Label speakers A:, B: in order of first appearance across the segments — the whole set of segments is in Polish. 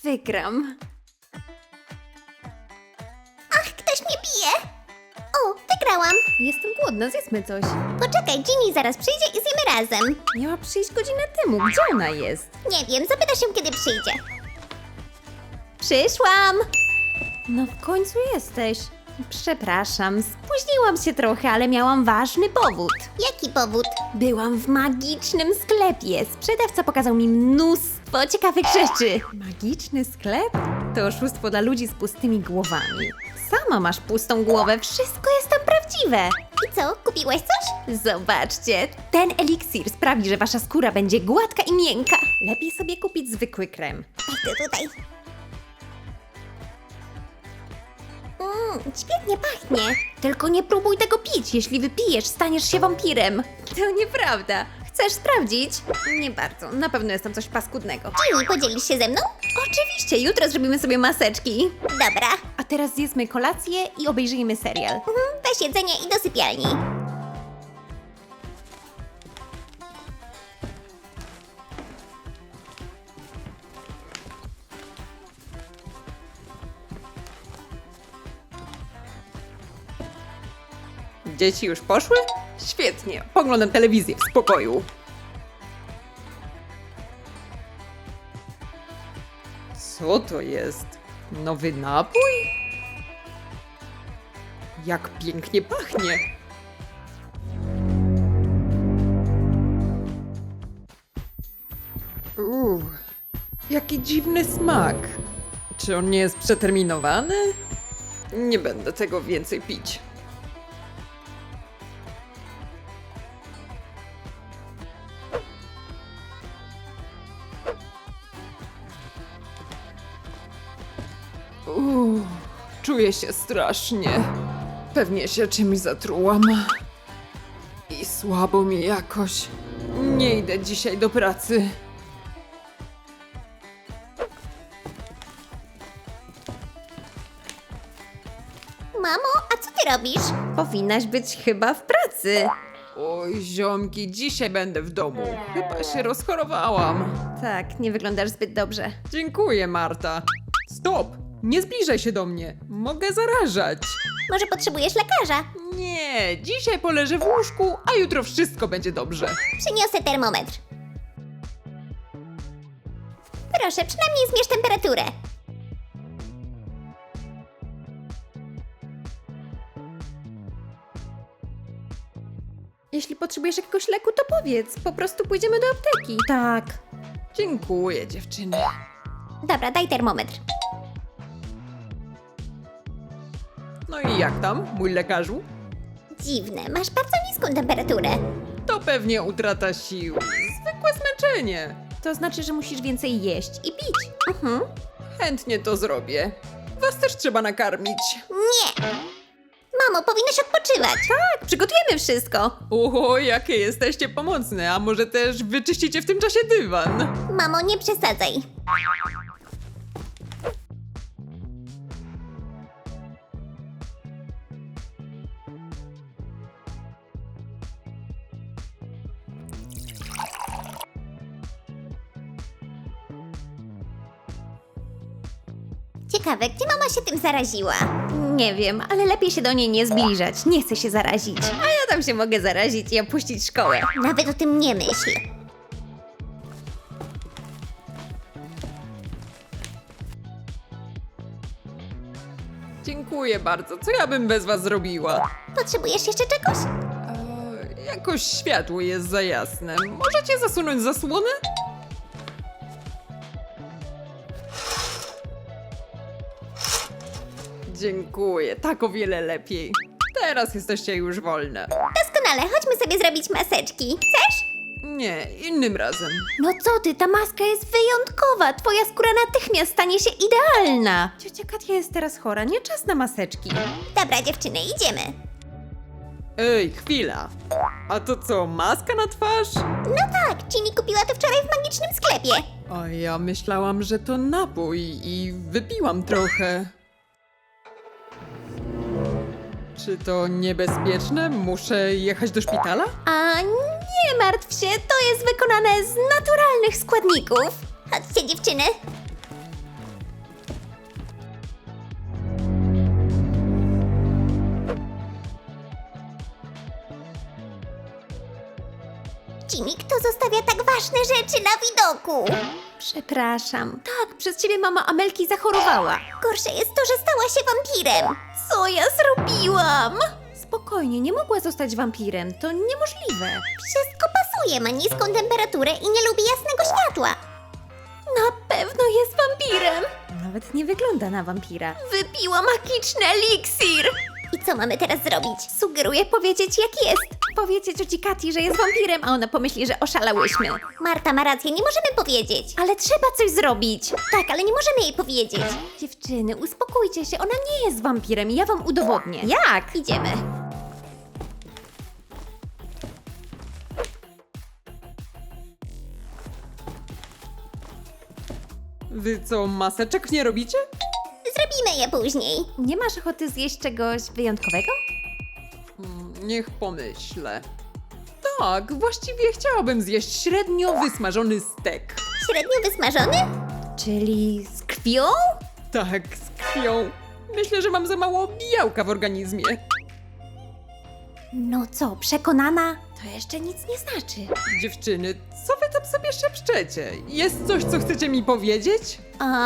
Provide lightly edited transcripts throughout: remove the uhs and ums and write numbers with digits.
A: wygram.
B: Ach, ktoś mnie bije! O, wygrałam!
A: Jestem głodna, zjedzmy coś.
B: Poczekaj, Ginny zaraz przyjdzie i zjemy razem.
A: Miała przyjść godzinę temu. Gdzie ona jest?
B: Nie wiem, zapyta się, kiedy przyjdzie. Przyszłam!
A: No w końcu jesteś. Przepraszam, spóźniłam się trochę, ale miałam ważny powód.
B: Jaki powód?
A: Byłam w magicznym sklepie. Sprzedawca pokazał mi mnóstwo ciekawych rzeczy. Magiczny sklep? To oszustwo dla ludzi z pustymi głowami. Sama masz pustą głowę, wszystko jest tam prawdziwe.
B: I co, kupiłaś coś?
A: Zobaczcie, ten eliksir sprawi, że wasza skóra będzie gładka i miękka. Lepiej sobie kupić zwykły krem.
B: Idę tutaj. Świetnie pachnie.
A: Tylko nie próbuj tego pić. Jeśli wypijesz, staniesz się wampirem. To nieprawda. Chcesz sprawdzić? Nie bardzo. Na pewno jest tam coś paskudnego.
B: Ginny, podzielisz się ze mną?
A: Oczywiście, jutro zrobimy sobie maseczki.
B: Dobra.
A: A teraz zjedzmy kolację i obejrzyjmy serial.
B: Weź jedzenie i do sypialni.
C: Dzieci już poszły? Świetnie, poglądam telewizję w spokoju. Co to jest? Nowy napój? Jak pięknie pachnie! Jaki dziwny smak. Czy on nie jest przeterminowany? Nie będę tego więcej pić. Czuję się strasznie. Pewnie się czymś zatrułam. I słabo mi jakoś. Nie idę dzisiaj do pracy.
B: Mamo, a co ty robisz?
A: Powinnaś być chyba w pracy.
C: Oj, ziomki, dzisiaj będę w domu. Chyba się rozchorowałam.
A: Tak, nie wyglądasz zbyt dobrze.
C: Dziękuję, Marta. Stop! Nie zbliżaj się do mnie. Mogę zarażać.
B: Może potrzebujesz lekarza?
C: Nie, dzisiaj poleżę w łóżku, a jutro wszystko będzie dobrze.
B: Przyniosę termometr. Proszę, przynajmniej zmierz temperaturę.
A: Jeśli potrzebujesz jakiegoś leku, to powiedz. Po prostu pójdziemy do apteki. Tak.
C: Dziękuję, dziewczyny.
B: Dobra, daj termometr.
C: No i jak tam, mój lekarzu?
B: Dziwne, masz bardzo niską temperaturę.
C: To pewnie utrata sił. Zwykłe zmęczenie.
A: To znaczy, że musisz więcej jeść i pić.
C: Chętnie to zrobię. Was też trzeba nakarmić.
B: Nie! Mamo, powinnaś odpoczywać.
A: Tak, przygotujemy wszystko.
C: Oho, jakie jesteście pomocne, a może też wyczyścicie w tym czasie dywan?
B: Mamo, nie przesadzaj. Ciekawe, gdzie mama się tym zaraziła?
A: Nie wiem, ale lepiej się do niej nie zbliżać. Nie chcę się zarazić. A ja tam się mogę zarazić i opuścić szkołę.
B: Nawet o tym nie myśl.
C: Dziękuję bardzo. Co ja bym bez was zrobiła?
B: Potrzebujesz jeszcze czegoś?
C: Jakoś światło jest za jasne. Możecie zasunąć zasłonę? Dziękuję, tak o wiele lepiej. Teraz jesteście już wolne.
B: Doskonale, chodźmy sobie zrobić maseczki. Chcesz?
C: Nie, innym razem.
A: No co ty, ta maska jest wyjątkowa. Twoja skóra natychmiast stanie się idealna. Ciocia Katia jest teraz chora, nie czas na maseczki.
B: Dobra, dziewczyny, idziemy.
C: Ej, chwila. A to co, maska na twarz?
B: No tak, Ginny kupiła to wczoraj w magicznym sklepie.
C: A ja myślałam, że to napój i wypiłam trochę. Czy to niebezpieczne? Muszę jechać do szpitala?
A: A nie martw się, to jest wykonane z naturalnych składników.
B: Chodźcie, dziewczyny. Kto zostawia tak ważne rzeczy na widoku?
A: Przepraszam. Tak, przez ciebie mama Amelki zachorowała.
B: Gorsze jest to, że stała się wampirem.
A: Co ja zrobiłam? Spokojnie, nie mogła zostać wampirem. To niemożliwe.
B: Wszystko pasuje, ma niską temperaturę i nie lubi jasnego światła.
A: Na pewno jest wampirem. Nawet nie wygląda na wampira. Wypiła magiczny eliksir.
B: I co mamy teraz zrobić?
A: Sugeruję powiedzieć jak jest. Powiedzieć cioci Kati, że jest wampirem, a ona pomyśli, że oszalałyśmy.
B: Marta ma rację, nie możemy powiedzieć.
A: Ale trzeba coś zrobić.
B: Tak, ale nie możemy jej powiedzieć.
A: Dziewczyny, uspokójcie się, ona nie jest wampirem i ja wam udowodnię. Jak?
B: Idziemy.
C: Wy co, maseczek nie robicie?
B: Zrobimy je później.
A: Nie masz ochoty zjeść czegoś wyjątkowego?
C: Niech pomyślę. Tak, właściwie chciałabym zjeść średnio wysmażony stek.
B: Średnio wysmażony?
A: Czyli z krwią?
C: Tak, z krwią. Myślę, że mam za mało białka w organizmie.
A: No co, przekonana? To jeszcze nic nie znaczy.
C: Dziewczyny, co wy tam sobie szepczecie? Jest coś, co chcecie mi powiedzieć?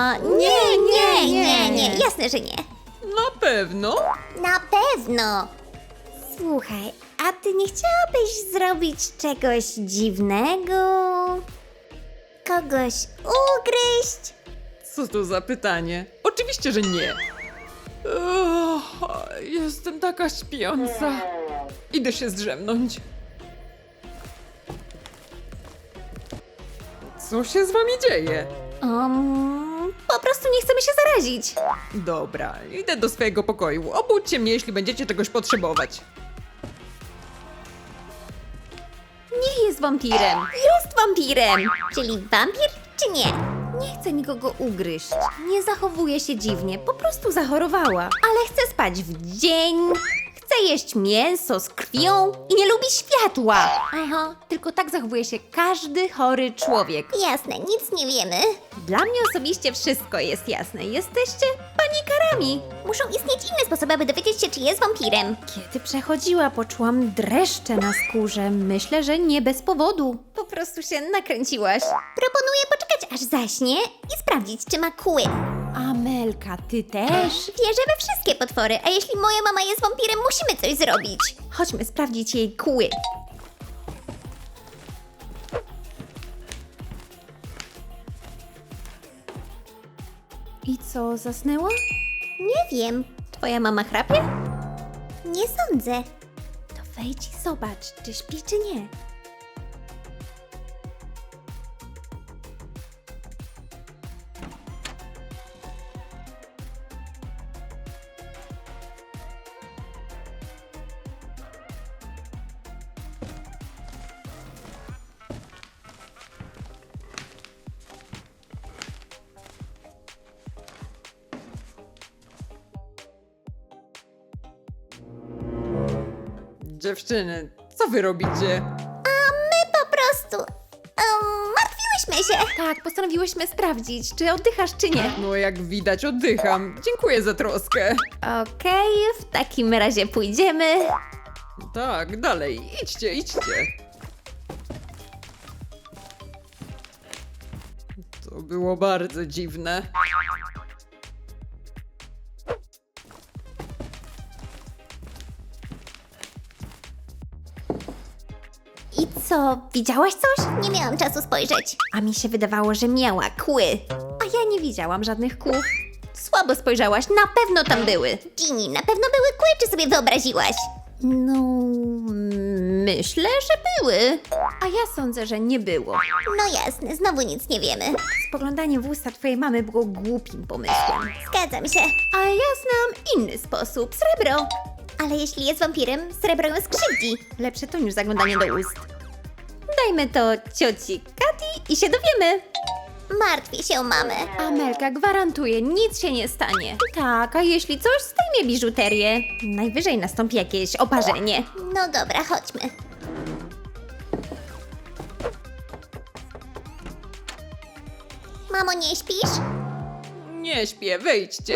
B: Nie. Jasne, że nie.
C: Na pewno.
B: Na pewno. Słuchaj, a ty nie chciałabyś zrobić czegoś dziwnego? Kogoś ugryźć?
C: Co to za pytanie? Oczywiście, że nie. Jestem taka śpiąca. Idę się zdrzemnąć. Co się z wami dzieje?
A: Po prostu nie chcemy się zarazić.
C: Dobra, idę do swojego pokoju. Obudźcie mnie, jeśli będziecie czegoś potrzebować.
A: Nie jest wampirem. Jest wampirem.
B: Czyli wampir, czy nie?
A: Nie chce nikogo ugryźć. Nie zachowuje się dziwnie, po prostu zachorowała. Ale chce spać w dzień, chce jeść mięso z krwią i nie lubi światła. Aha, tylko tak zachowuje się każdy chory człowiek.
B: Jasne, nic nie wiemy.
A: Dla mnie osobiście wszystko jest jasne. Jesteście panikarami.
B: Muszą istnieć inne sposoby, aby dowiedzieć się, czy jest wampirem.
A: Kiedy przechodziła, poczułam dreszcze na skórze. Myślę, że nie bez powodu. Po prostu się nakręciłaś.
B: Proponuję poczekać, aż zaśnie i sprawdzić, czy ma kły.
A: Amelka, ty też?
B: Wierzę we wszystkie potwory, a jeśli moja mama jest wampirem, musimy coś zrobić.
A: Chodźmy sprawdzić jej kły. I co, zasnęła?
B: Nie wiem,
A: Twoja mama chrapie?
B: nie sądzę.
A: To wejdź i zobacz, czy śpi, czy nie.
C: Dziewczyny, co wy robicie?
B: My po prostu... martwiłyśmy się.
A: Tak, postanowiłyśmy sprawdzić, czy oddychasz, czy nie.
C: No jak widać, oddycham. Dziękuję za troskę.
A: Okej, w takim razie pójdziemy.
C: Tak, dalej, idźcie, idźcie. To było bardzo dziwne.
A: I co, widziałaś coś?
B: Nie miałam czasu spojrzeć.
A: A mi się wydawało, że miała kły. A ja nie widziałam żadnych kłów. Słabo spojrzałaś, na pewno tam były.
B: Ginny, na pewno były kły, czy sobie wyobraziłaś?
A: No, myślę, że były. A ja sądzę, że nie było.
B: No jasne, znowu nic nie wiemy.
A: Spoglądanie w usta twojej mamy było głupim pomysłem.
B: Zgadzam się.
A: A ja znam inny sposób. Srebro.
B: Ale jeśli jest wampirem, srebro ją skrzywdzi.
A: Lepsze to niż zaglądanie do ust. Dajmy to cioci Kati i się dowiemy.
B: Martwię się o mamę.
A: Amelka gwarantuje, nic się nie stanie. Tak, a jeśli coś, zdejmie biżuterię. Najwyżej nastąpi jakieś oparzenie.
B: No dobra, chodźmy. Mamo, nie śpisz?
C: Nie śpię, wejdźcie.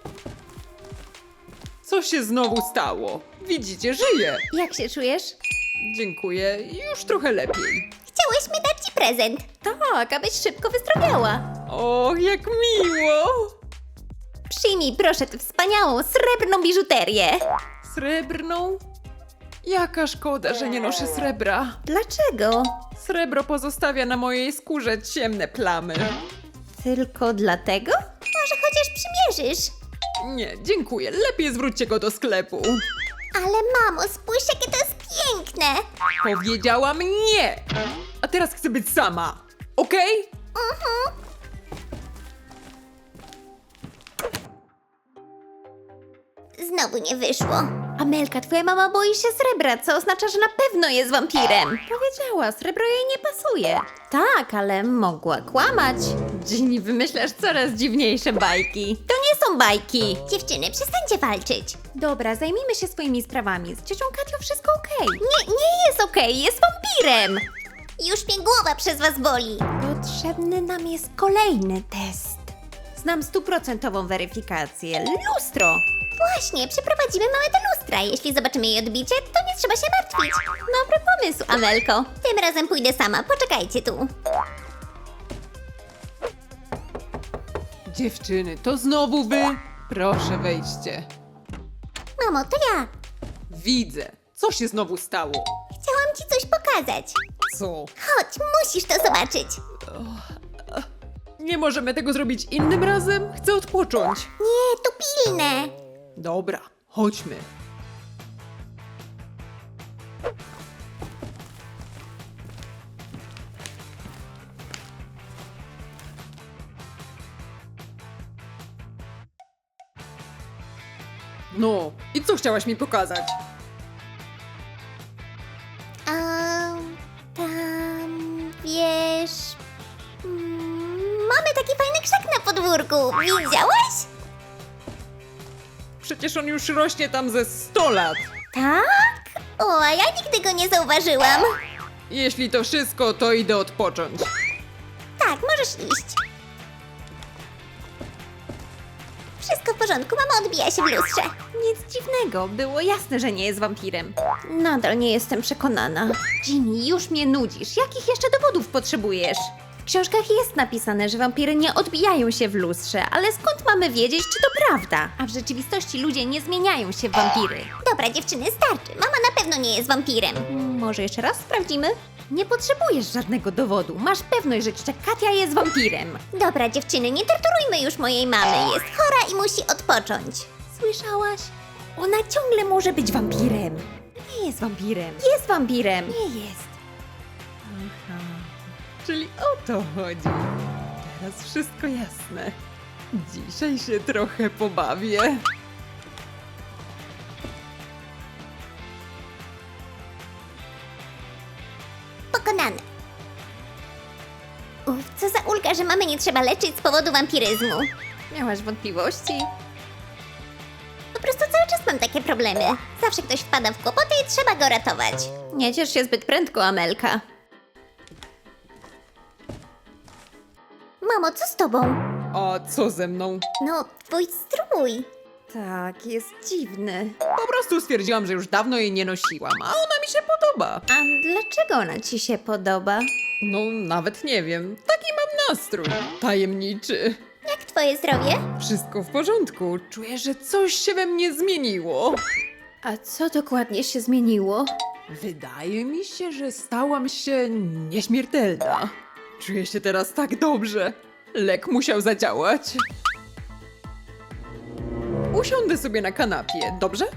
C: Co się znowu stało? Widzicie, żyję.
A: Jak się czujesz?
C: Dziękuję, już trochę lepiej.
B: Chciałyśmy dać ci prezent.
A: Tak, abyś szybko wyzdrowiała.
C: O, jak miło!
A: Przyjmij proszę tę wspaniałą, srebrną biżuterię.
C: Srebrną? Jaka szkoda, że nie noszę srebra.
A: Dlaczego?
C: Srebro pozostawia na mojej skórze ciemne plamy.
A: Tylko dlatego?
B: Może chociaż przymierzysz.
C: Nie, dziękuję. Lepiej zwróćcie go do sklepu.
B: Ale mamo, spójrz jakie to jest piękne.
C: Powiedziałam nie! A teraz chcę być sama. Okej?
B: Znowu nie wyszło.
A: Amelka, twoja mama boi się srebra, co oznacza, że na pewno jest wampirem. Powiedziała, srebro jej nie pasuje. Tak, ale mogła kłamać. Ginny, wymyślasz coraz dziwniejsze bajki. To nie są bajki.
B: Dziewczyny, przestańcie walczyć.
A: Dobra, zajmijmy się swoimi sprawami. Z ciocią Katią wszystko okej. Nie jest okej, jest wampirem.
B: Już mnie głowa przez was boli.
A: Potrzebny nam jest kolejny test. Znam 100% weryfikację. Lustro.
B: Właśnie, przeprowadzimy małe te lustra. Jeśli zobaczymy jej odbicie, to nie trzeba się martwić.
A: Dobry pomysł, Amelko.
B: Tym razem pójdę sama, poczekajcie tu.
C: Dziewczyny, to znowu wy? Proszę, wejdźcie.
B: Mamo, to ja.
C: Widzę. Co się znowu stało?
B: Chciałam ci coś pokazać.
C: Co?
B: Chodź, musisz to zobaczyć.
C: Nie możemy tego zrobić innym razem? Chcę odpocząć.
B: Nie, to pilne.
C: Dobra, chodźmy. No, i co chciałaś mi pokazać?
B: Tam, wiesz... mamy taki fajny krzak na podwórku. Widziałaś?
C: Przecież on już rośnie tam ze 100 lat.
B: Tak? O, a ja nigdy go nie zauważyłam.
C: Jeśli to wszystko, to idę odpocząć.
B: Tak, możesz iść. Wszystko w porządku, mama odbija się w lustrze.
A: Nic dziwnego, było jasne, że nie jest wampirem. Nadal nie jestem przekonana. Ginny, już mnie nudzisz. Jakich jeszcze dowodów potrzebujesz? W książkach jest napisane, że wampiry nie odbijają się w lustrze, ale skąd mamy wiedzieć, czy to prawda? A w rzeczywistości ludzie nie zmieniają się w wampiry.
B: Dobra, dziewczyny, starczy. Mama na pewno nie jest wampirem.
A: Może jeszcze raz sprawdzimy? Nie potrzebujesz żadnego dowodu. Masz pewność, że ciocia Katia jest wampirem.
B: Dobra, dziewczyny, nie torturujmy już mojej mamy. Jest chora i musi odpocząć.
A: Słyszałaś? Ona ciągle może być wampirem. Nie jest wampirem. Jest wampirem. Nie jest.
C: Aha, czyli o to chodzi. Teraz wszystko jasne. Dzisiaj się trochę pobawię.
B: Pokonane. Co za ulga, że mamy nie trzeba leczyć z powodu wampiryzmu.
A: Miałaś wątpliwości?
B: Po prostu cały czas mam takie problemy. Zawsze ktoś wpada w kłopoty i trzeba go ratować.
A: Nie ciesz się zbyt prędko, Amelka.
B: Mamo, co z tobą?
C: A co ze mną?
B: No, twój strój.
A: Tak, jest dziwny.
C: Po prostu stwierdziłam, że już dawno jej nie nosiłam, a ona mi się podoba.
A: A dlaczego ona ci się podoba?
C: No, nawet nie wiem. Taki mam nastrój. Tajemniczy.
B: Jak twoje zdrowie?
C: Wszystko w porządku. Czuję, że coś się we mnie zmieniło.
A: A co dokładnie się zmieniło?
C: Wydaje mi się, że stałam się nieśmiertelna. Czuję się teraz tak dobrze. Lek musiał zadziałać. Usiądę sobie na kanapie, dobrze?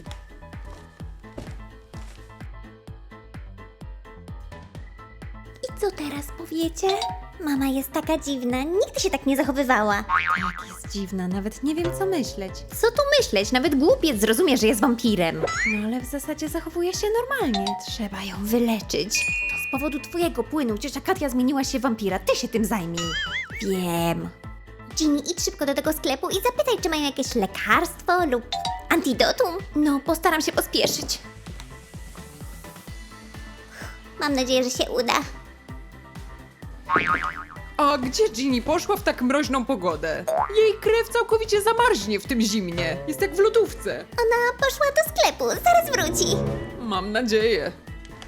B: I co teraz powiecie? Mama jest taka dziwna, nigdy się tak nie zachowywała.
A: Jak jest dziwna, nawet nie wiem co myśleć. Co tu myśleć? Nawet głupiec zrozumie, że jest wampirem. No ale w zasadzie zachowuje się normalnie. Trzeba ją wyleczyć. To z powodu twojego płynu ciocia Katia zmieniła się w wampira. Ty się tym zajmij. Wiem.
B: Ginny, idź szybko do tego sklepu i zapytaj, czy mają jakieś lekarstwo lub antidotum.
A: No, postaram się pospieszyć.
B: Mam nadzieję, że się uda.
C: A gdzie Ginny poszła w tak mroźną pogodę? Jej krew całkowicie zamarznie w tym zimnie. Jest jak w lodówce.
B: Ona poszła do sklepu, zaraz wróci.
C: Mam nadzieję.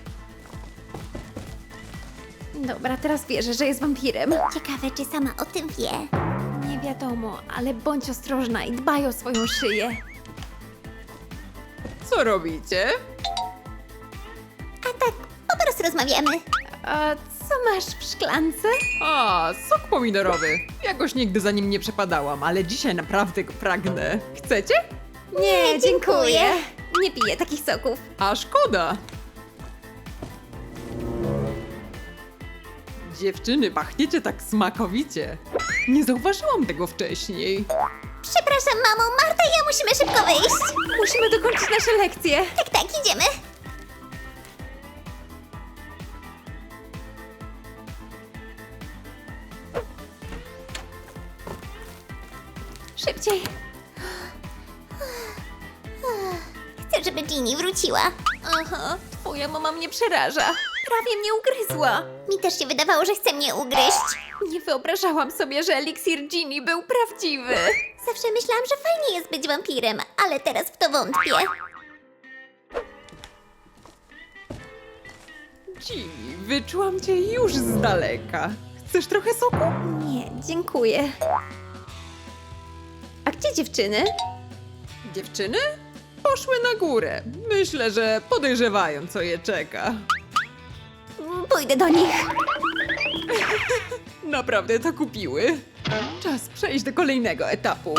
A: Dobra, teraz wierzę, że jest wampirem.
B: Ciekawe, czy sama o tym wie.
A: Nie wiadomo, ale bądź ostrożna i dbaj o swoją szyję.
C: Co robicie?
B: A tak, po prostu rozmawiamy.
A: A co masz w szklance?
C: A, sok pomidorowy. Jakoś nigdy za nim nie przepadałam, ale dzisiaj naprawdę go pragnę. Chcecie?
A: Nie,
B: dziękuję.
A: Nie piję takich soków.
C: A szkoda. Dziewczyny, pachniecie tak smakowicie. Nie zauważyłam tego wcześniej.
B: Przepraszam, mamo, Marta i ja musimy szybko wyjść.
A: Musimy dokończyć nasze lekcje.
B: Tak, tak, idziemy.
A: Szybciej.
B: Chcę, żeby Ginny wróciła.
A: Aha, twoja mama mnie przeraża. Prawie mnie ugryzła.
B: Mi też się wydawało, że chce mnie ugryźć.
A: Nie wyobrażałam sobie, że eliksir Ginny był prawdziwy.
B: Zawsze myślałam, że fajnie jest być wampirem, ale teraz w to wątpię.
C: Ginny, wyczułam cię już z daleka. Chcesz trochę soku?
A: Nie, dziękuję. A gdzie dziewczyny?
C: Dziewczyny? Poszły na górę. Myślę, że podejrzewają, co je czeka.
A: Pójdę do nich.
C: Naprawdę to kupiły. Czas przejść do kolejnego etapu.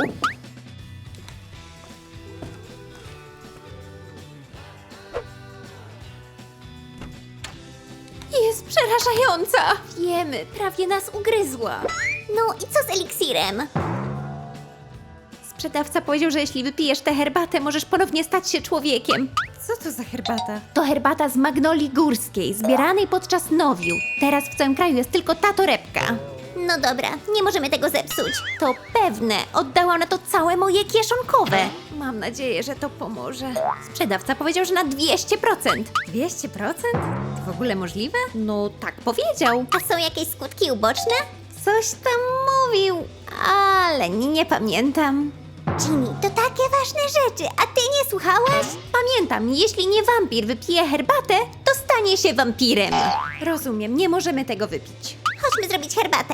A: Jest przerażająca. Wiemy, prawie nas ugryzła.
B: No i co z eliksirem?
A: Sprzedawca powiedział, że jeśli wypijesz tę herbatę, możesz ponownie stać się człowiekiem. Co to za herbata? To herbata z magnolii górskiej, zbieranej podczas nowiu. Teraz w całym kraju jest tylko ta torebka.
B: No dobra, nie możemy tego zepsuć.
A: To pewne, oddałam na to całe moje kieszonkowe. Mam nadzieję, że to pomoże. Sprzedawca powiedział, że na 200%. 200%? To w ogóle możliwe? No tak powiedział.
B: A są jakieś skutki uboczne?
A: Coś tam mówił, ale nie pamiętam.
B: Ginny, to takie ważne rzeczy, a ty nie słuchałaś?
A: Pamiętam, jeśli nie wampir wypije herbatę, to stanie się wampirem. Rozumiem, nie możemy tego wypić.
B: Chodźmy zrobić herbatę.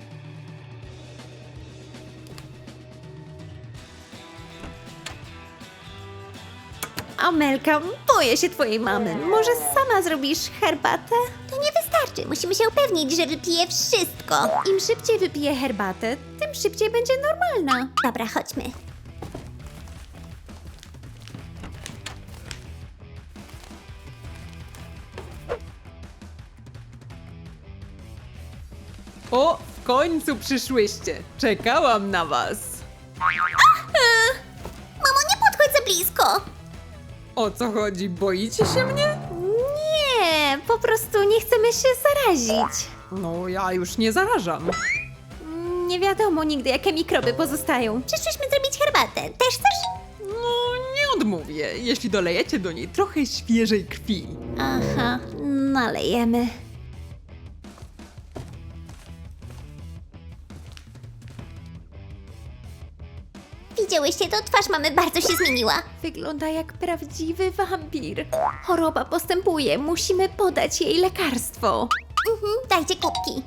A: Amelka, boję się twojej mamy. Może sama zrobisz herbatę?
B: To nie wystarczy, musimy się upewnić, że wypije wszystko.
A: Im szybciej wypije herbatę, tym szybciej będzie normalna.
B: Dobra, chodźmy.
C: O, w końcu przyszłyście. Czekałam na was.
B: Mamo, nie podchodź za blisko.
C: O co chodzi? Boicie się mnie?
A: Nie, po prostu nie chcemy się zarazić.
C: No, ja już nie zarażam.
A: Nie wiadomo nigdy, jakie mikroby pozostają.
B: Przyszłyśmy zrobić herbatę. Też chcesz?
C: No, nie odmówię, jeśli dolejecie do niej trochę świeżej krwi.
A: Aha, nalejemy.
B: Widziałyście to? Twarz mamy bardzo się zmieniła.
A: Wygląda jak prawdziwy wampir. Choroba postępuje, musimy podać jej lekarstwo.
B: Dajcie kubki.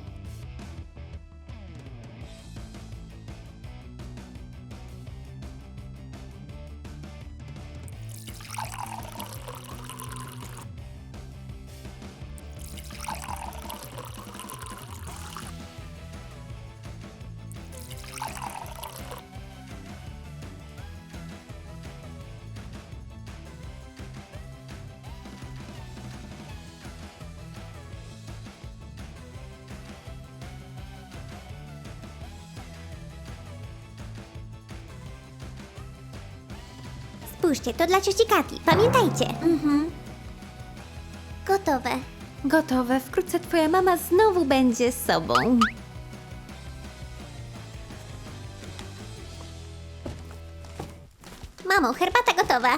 B: Spójrzcie, to dla cioci Kati. Pamiętajcie. Gotowe.
A: Gotowe, wkrótce twoja mama znowu będzie sobą.
B: Mamo, herbata gotowa.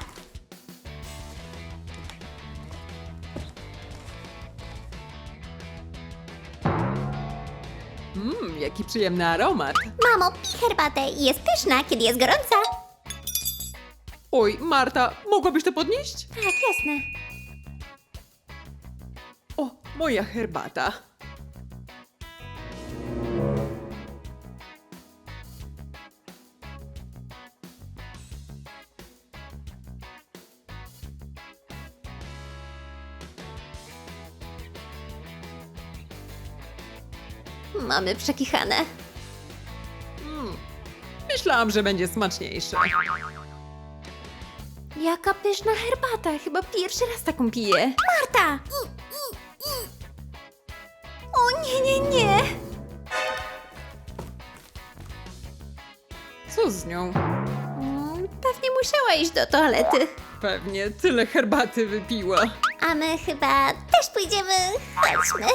C: Jaki przyjemny aromat.
B: Mamo, pij herbatę. Jest pyszna, kiedy jest gorąca.
C: Oj, Marta, mogłabyś to podnieść?
A: Tak, jasne.
C: O, moja herbata.
A: mamy przekichane.
C: Myślałam, że będzie smaczniejsze.
A: Jaka pyszna herbata, chyba pierwszy raz taką piję.
B: Marta!
A: O nie.
C: Co z nią?
A: Pewnie musiała iść do toalety.
C: Pewnie tyle herbaty wypiła.
B: A my chyba też pójdziemy. Chodźmy.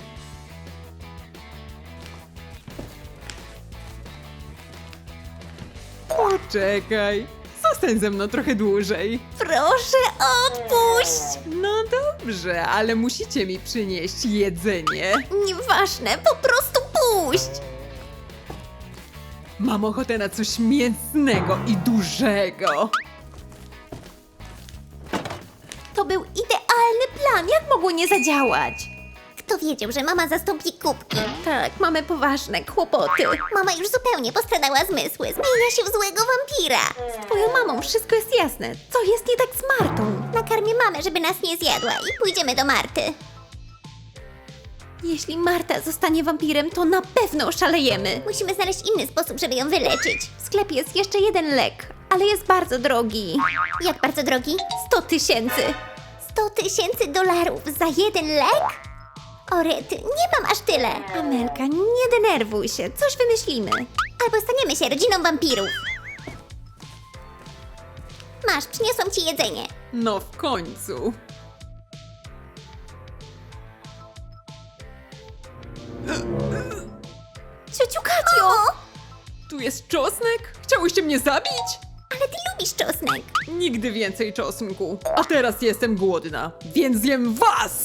C: Poczekaj. Zostań ze mną trochę dłużej.
A: Proszę, odpuść!
C: No dobrze, ale musicie mi przynieść jedzenie.
A: Nieważne, po prostu puść!
C: Mam ochotę na coś mięsnego i dużego.
A: To był idealny plan, jak mogło nie zadziałać?
B: Kto wiedział, że mama zastąpi kubki?
A: Tak, mamy poważne kłopoty.
B: Mama już zupełnie postradała zmysły. Zmienia się w złego wampira.
A: Z twoją mamą wszystko jest jasne. Co jest nie tak z Martą?
B: Nakarmię mamę, żeby nas nie zjadła i pójdziemy do Marty.
A: Jeśli Marta zostanie wampirem, to na pewno oszalejemy.
B: Musimy znaleźć inny sposób, żeby ją wyleczyć.
A: W sklepie jest jeszcze jeden lek, ale jest bardzo drogi.
B: Jak bardzo drogi?
A: 100 000.
B: $100,000 za jeden lek? O rety, nie mam aż tyle.
A: Amelka, nie denerwuj się, coś wymyślimy.
B: Albo staniemy się rodziną wampirów. Masz, przyniosłam ci jedzenie.
C: No w końcu.
A: Ciociu Katio!
C: Tu jest czosnek? Chciałyście mnie zabić?
B: Ale ty lubisz czosnek.
C: Nigdy więcej czosnku. A teraz jestem głodna, więc zjem was!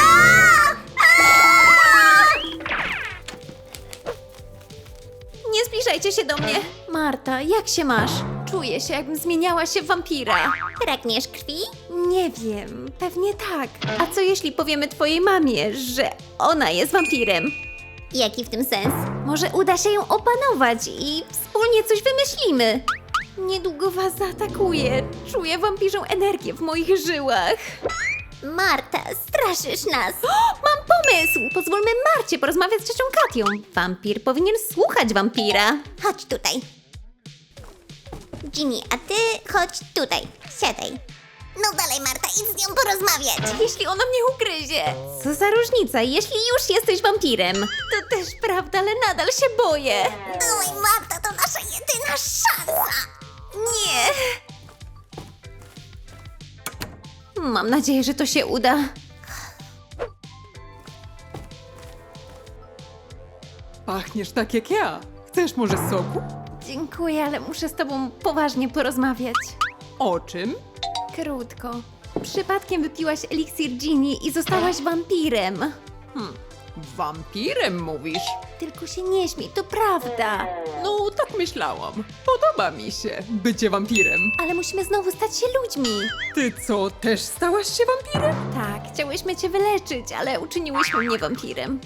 A: Nie zbliżajcie się do mnie. Marta, jak się masz? Czuję się, jakbym zmieniała się w wampira.
B: Pragniesz krwi?
A: Nie wiem, pewnie tak. A co jeśli powiemy twojej mamie, że ona jest wampirem?
B: Jaki w tym sens?
A: Może uda się ją opanować i wspólnie coś wymyślimy. Niedługo was zaatakuje. Czuję wampirzą energię w moich żyłach.
B: Marta, straszysz nas.
A: Mam pomysł! Pozwólmy Marcie porozmawiać z ciocią Katią. Wampir powinien słuchać wampira.
B: Chodź tutaj. Ginny, a ty chodź tutaj. Siadaj. No dalej, Marta, idź z nią porozmawiać.
A: Jeśli ona mnie ugryzie. Co za różnica, jeśli już jesteś wampirem. To też prawda, ale nadal się boję.
B: Oj, Marta, to nasza jedyna szansa.
A: Nie. Mam nadzieję, że to się uda.
C: Pachniesz tak jak ja. Chcesz może soku?
A: Dziękuję, ale muszę z tobą poważnie porozmawiać.
C: O czym?
A: Krótko. Przypadkiem wypiłaś eliksir Ginny i zostałaś wampirem.
C: Wampirem mówisz?
A: Tylko się nie śmiej, to prawda.
C: No, tak myślałam. Podoba mi się bycie wampirem.
A: Ale musimy znowu stać się ludźmi.
C: Ty co, też stałaś się wampirem?
A: Tak, chciałyśmy cię wyleczyć, ale uczyniłyśmy mnie wampirem.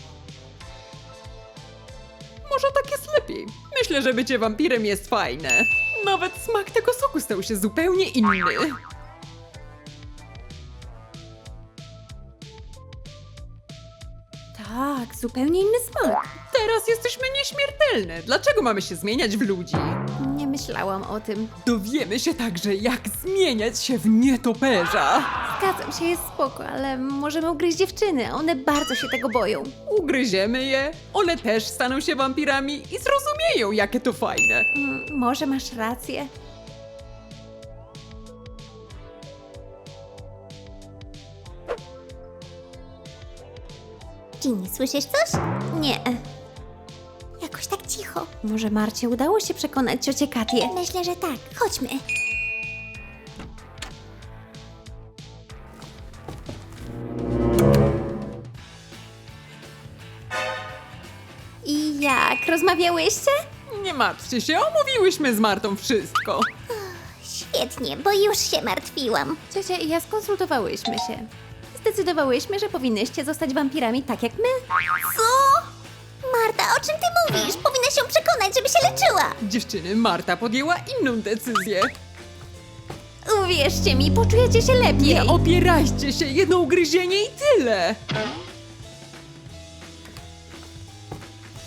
C: Może tak jest lepiej. Myślę, że bycie wampirem jest fajne. Nawet smak tego soku stał się zupełnie inny.
A: Tak, zupełnie inny smak.
C: Teraz jesteśmy nieśmiertelne. Dlaczego mamy się zmieniać w ludzi?
A: Nie myślałam o tym.
C: Dowiemy się także, jak zmieniać się w nietoperza.
A: Zgadzam się, jest spoko, ale możemy ugryźć dziewczyny, a one bardzo się tego boją.
C: Ugryziemy je, one też staną się wampirami i zrozumieją, jakie to fajne.
A: Może masz rację.
B: Ginny, słyszysz coś?
A: Nie.
B: Jakoś tak cicho.
A: Może Marcie udało się przekonać ciocię Katię.
B: Myślę, że tak. Chodźmy.
A: I jak? Rozmawiałyście?
C: Nie martwcie się, omówiłyśmy z Martą wszystko.
B: Świetnie, bo już się martwiłam.
A: Ciocia i ja skonsultowałyśmy się. Zdecydowałyśmy, że powinnyście zostać wampirami tak jak my.
B: Co? Marta, o czym ty mówisz? Powinnaś ją przekonać, żeby się leczyła.
C: Dziewczyny, Marta podjęła inną decyzję.
A: Uwierzcie mi, poczujecie się lepiej.
C: Nie opierajcie się, jedno ugryzienie i tyle.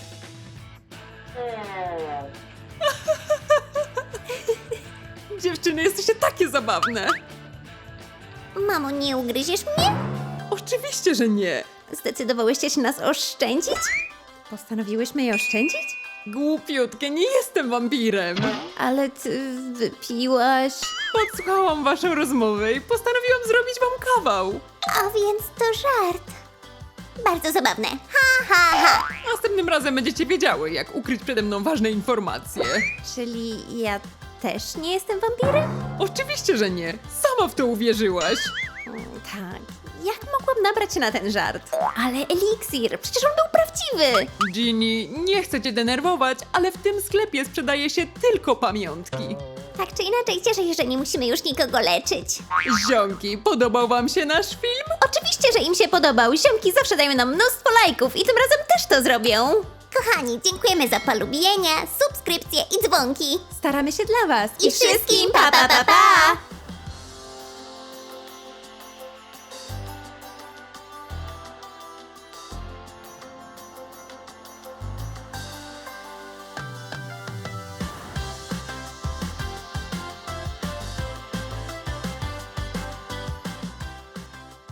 C: Dziewczyny, jesteście takie zabawne.
B: Mamo, nie ugryziesz mnie?
C: Oczywiście, że nie.
A: Zdecydowałyście się nas oszczędzić? Postanowiłyśmy je oszczędzić?
C: Głupiutkie, nie jestem wampirem.
A: Ale ty wypiłaś...
C: Podsłuchałam waszą rozmowę i postanowiłam zrobić wam kawał.
B: A więc to żart. Bardzo zabawne. Ha, ha, ha.
C: Następnym razem będziecie wiedziały, jak ukryć przede mną ważne informacje.
A: Czyli ja też nie jestem wampirem?
C: Oczywiście, że nie. Sama w to uwierzyłaś.
A: Tak. Jak mogłam nabrać się na ten żart? Ale eliksir, przecież on był prawdziwy!
C: Ginny, nie chcę cię denerwować, ale w tym sklepie sprzedaje się tylko pamiątki.
B: Tak czy inaczej cieszę się, że nie musimy już nikogo leczyć.
C: Ziomki, podobał wam się nasz film?
A: Oczywiście, że im się podobał. Ziomki zawsze dają nam mnóstwo lajków i tym razem też to zrobią.
B: Kochani, dziękujemy za polubienia, subskrypcje i dzwonki.
A: Staramy się dla was.
B: I wszystkim pa pa pa pa!